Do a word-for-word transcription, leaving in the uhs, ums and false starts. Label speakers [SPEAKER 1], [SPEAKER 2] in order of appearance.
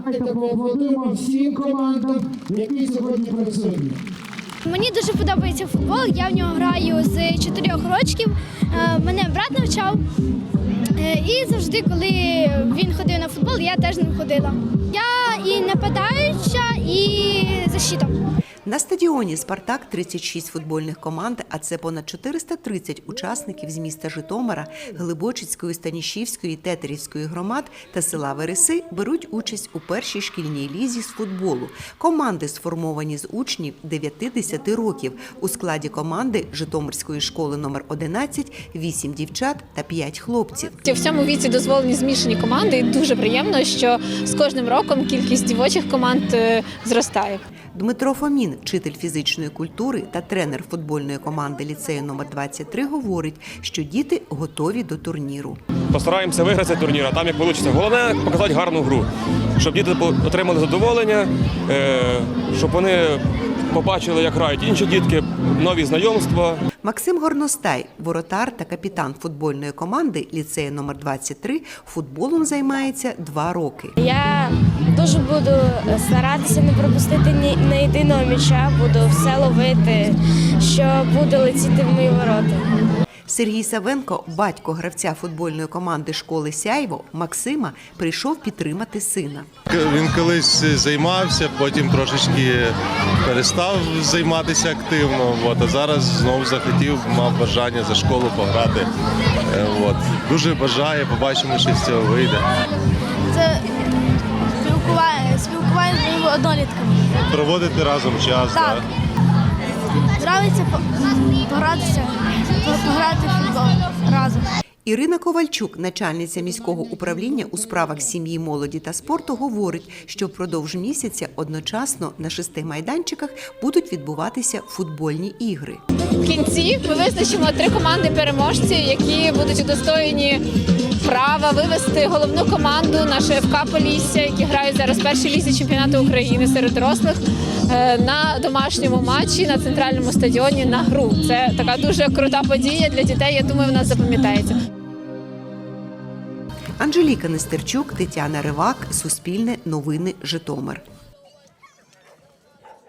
[SPEAKER 1] Давайте поаплодуємо всім командам, які сьогодні працюють.
[SPEAKER 2] Мені дуже подобається футбол, я в нього граю з чотирьох років, мене брат навчав. І завжди, коли він ходив на футбол, я теж з ним ходила. Я і нападаюча, і защита.
[SPEAKER 3] На стадіоні «Спартак» тридцять шість футбольних команд, а це понад чотириста тридцять учасників з міста Житомира, Глибочицької, Станішівської, Тетерівської громад та села Вереси беруть участь у першій шкільній лізі з футболу. Команди сформовані з учнів дев'яти-десяти років. У складі команди Житомирської школи номер одинадцять – вісім дівчат та п'ять хлопців.
[SPEAKER 4] В цьому віці дозволені змішані команди і дуже приємно, що з кожним роком кількість дівочих команд зростає.
[SPEAKER 3] Дмитро Фомін, вчитель фізичної культури та тренер футбольної команди ліцею номер двадцять три, говорить, що діти готові до турніру.
[SPEAKER 5] Постараємося виграти цей турнір, а там як вийде. Головне – показати гарну гру, щоб діти отримали задоволення, щоб вони побачили, як грають інші дітки, нові знайомства.
[SPEAKER 3] Максим Горностай, воротар та капітан футбольної команди ліцею номер двадцять три, футболом займається два роки.
[SPEAKER 6] Я дуже буду старатися не пропустити ні на єдиного м'яча, буду все ловити, що буде летіти в мої ворота.
[SPEAKER 3] Сергій Савенко, батько гравця футбольної команди школи «Сяйво» Максима, прийшов підтримати сина.
[SPEAKER 7] Він колись займався, потім трошечки перестав займатися активно, от, а зараз знову захотів, мав бажання за школу пограти. От. Дуже бажає, побачимо, що з цього вийде.
[SPEAKER 2] Це спілкування, спілкування з моїми однолітками.
[SPEAKER 7] Проводити разом час, так?
[SPEAKER 2] Так. Нравиться погратися, пограти в футбол разом.
[SPEAKER 3] Ірина Ковальчук, начальниця міського управління у справах сім'ї, молоді та спорту, говорить, що впродовж місяця одночасно на шести майданчиках будуть відбуватися футбольні ігри.
[SPEAKER 4] В кінці ми визначимо три команди-переможці, які будуть удостоєні права вивести головну команду нашої еф ка «Полісся», які грають зараз в першій лізі чемпіонату України серед дорослих, на домашньому матчі на центральному стадіоні на гру. Це така дуже крута подія для дітей, я думаю, вона запам'ятається.
[SPEAKER 3] Анжеліка Нестерчук, Тетяна Ривак, Суспільне новини, Житомир.